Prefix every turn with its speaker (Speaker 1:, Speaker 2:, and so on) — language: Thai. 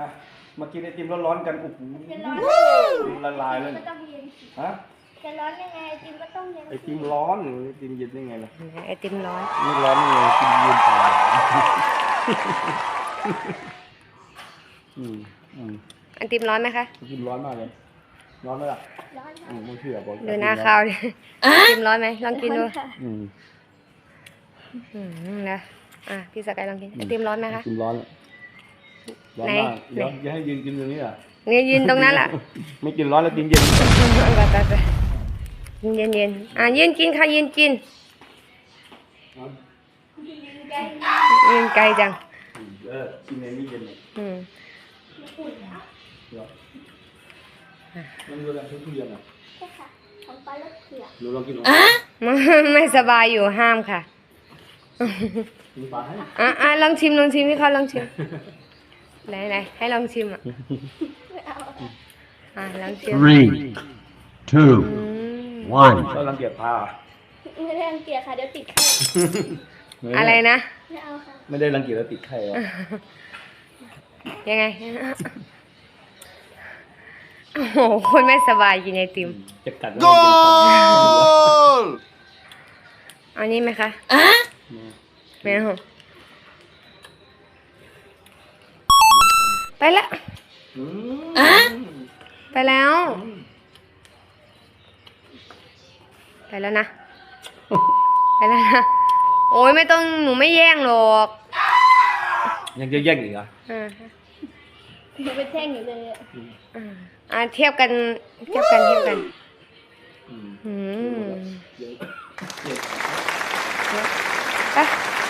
Speaker 1: อ่ะมากินไอติมร้อนๆกันโอ้โห
Speaker 2: จะร้อนได้ไง
Speaker 1: ละลายเลย
Speaker 2: ก็ต้องเย็น
Speaker 1: ฮะ
Speaker 2: จะร้อนยังไงไอติมก็ต้องเย็น
Speaker 1: ไอติมร้อนหรือไอติมเย็นได้ไงล่ะ
Speaker 3: ไอติมร้อน
Speaker 1: ไม่ร้อนยังไงไอติมเย็นตาย
Speaker 3: ไอติมร้อนไหมคะ
Speaker 1: ไอติมร้อนมากเลยร้อนไหมล่ะ
Speaker 2: ร้อนค่ะ
Speaker 1: ไม่เชื่อบอก
Speaker 3: ดูหน้าข้าวดิไอติมร้อนไหมลองกินดู
Speaker 2: ค่ะ
Speaker 3: นะพี่สกายลองกินไอติมร้อนไหมคะ
Speaker 1: ไอติมร้อนร้อนมากเดี๋ยวอย่าให้ยืนกินตรงนี้อ่ะ
Speaker 3: เนี่ยยืนตรงนั้นแหละ
Speaker 1: ไม่กินร้อนแล้วกินเย็น
Speaker 3: ไปเย็นยืนกินค่ะยืนกินยืนไกลจัง
Speaker 1: กินในนี้เย็นเลย
Speaker 2: อุ่นนะ
Speaker 1: เหรอมันดูแลทุกเย็นอ่ะ
Speaker 2: ใช่ค่ะของปลาลูกเผือก
Speaker 1: หนูลองกินดู
Speaker 3: ไม่สบายอยู่ห้ามค่ะ
Speaker 1: มีปลาให้
Speaker 3: ลองชิมพี่เขาลองชิมไหนให้ลองชิมลองชิม
Speaker 4: Three, two, one.
Speaker 1: ก็รังเกียจปลา
Speaker 2: ไม่ได้รังเกียจค่ะเดี๋ยวติดไข้
Speaker 3: อะไรนะ
Speaker 2: ไม่เอาค่ะ
Speaker 1: ไม่ได้รังเกียจแล้วติดไข้อ่ะ
Speaker 3: ยังไงโอ้โหคนไม่สบายกินไอติม
Speaker 1: จะกัด
Speaker 4: Goal!
Speaker 3: เอานี้ไหมคะไม่เอาไปละไปแล้วนะไปแล้วนะโอ้ยไม่ต้องหนูไม่แย่งหรอก
Speaker 1: ยังจะแย่งอีกเหรอ
Speaker 2: หนูไปแท่งอยู่เลยอะ
Speaker 3: เทียบกันไป